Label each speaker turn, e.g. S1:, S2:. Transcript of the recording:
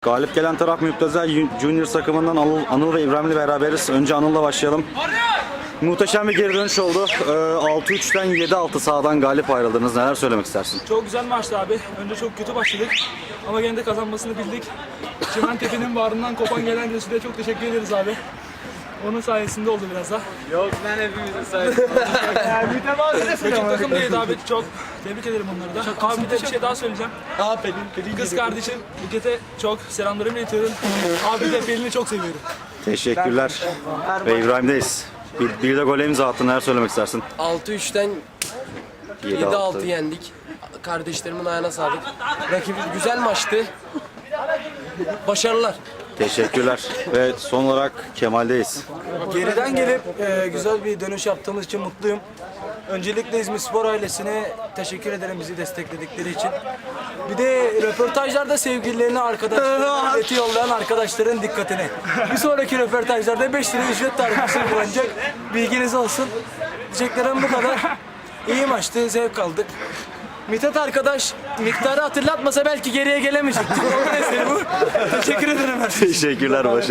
S1: Galip gelen taraf Müptezel Junior takımından Anıl ve İbrahim'le beraberiz. Önce Anıl'la başlayalım. Muhteşem bir geri dönüş oldu. 6-3'ten 7-6 sahadan galip ayrıldınız. Neler söylemek istersin?
S2: Çok güzel maçtı abi. Önce çok kötü başladık ama gene de kazanmasını bildik. Çimentepe'nin bağrından kopan gelen Resul'e çok teşekkür ederiz abi. Onun sayesinde oldu biraz da.
S3: Yok lan hepimizin sayesinde.
S2: Rakip takım değildi abi. Çok tebrik ederim onları da. Abi bir de bir şey daha söyleyeceğim. Kız kardeşim Buket'e çok selamlarımı iletiyorum. Abi de Pelin'i çok seviyorum.
S1: Teşekkürler. Ve İbrahim'deyiz. Bir de gole imza attın. Neler söylemek istersin?
S3: 6-3'ten 7-6 yendik. Kardeşlerimin ayağına sağlık. Rakibi güzel maçtı. Başarılar.
S1: Teşekkürler. Ve son olarak Kemal'deyiz.
S4: Geriden gelip güzel bir dönüş yaptığımız için mutluyum. Öncelikle İzmirspor ailesine teşekkür ederim bizi destekledikleri için. Bir de röportajlarda sevgililerine arkadaşlarına bileti yollayan arkadaşların dikkatine. Bir sonraki röportajlarda 5 lira ücret tarifesi kullanacak. Bilginiz olsun. Diyeceklerim bu kadar. İyi maçtı, zevk aldık. Mithat arkadaş miktarı hatırlatmasa belki geriye gelemeyecektik. Onun eseri bu. Teşekkür ederim.
S1: Teşekkürler.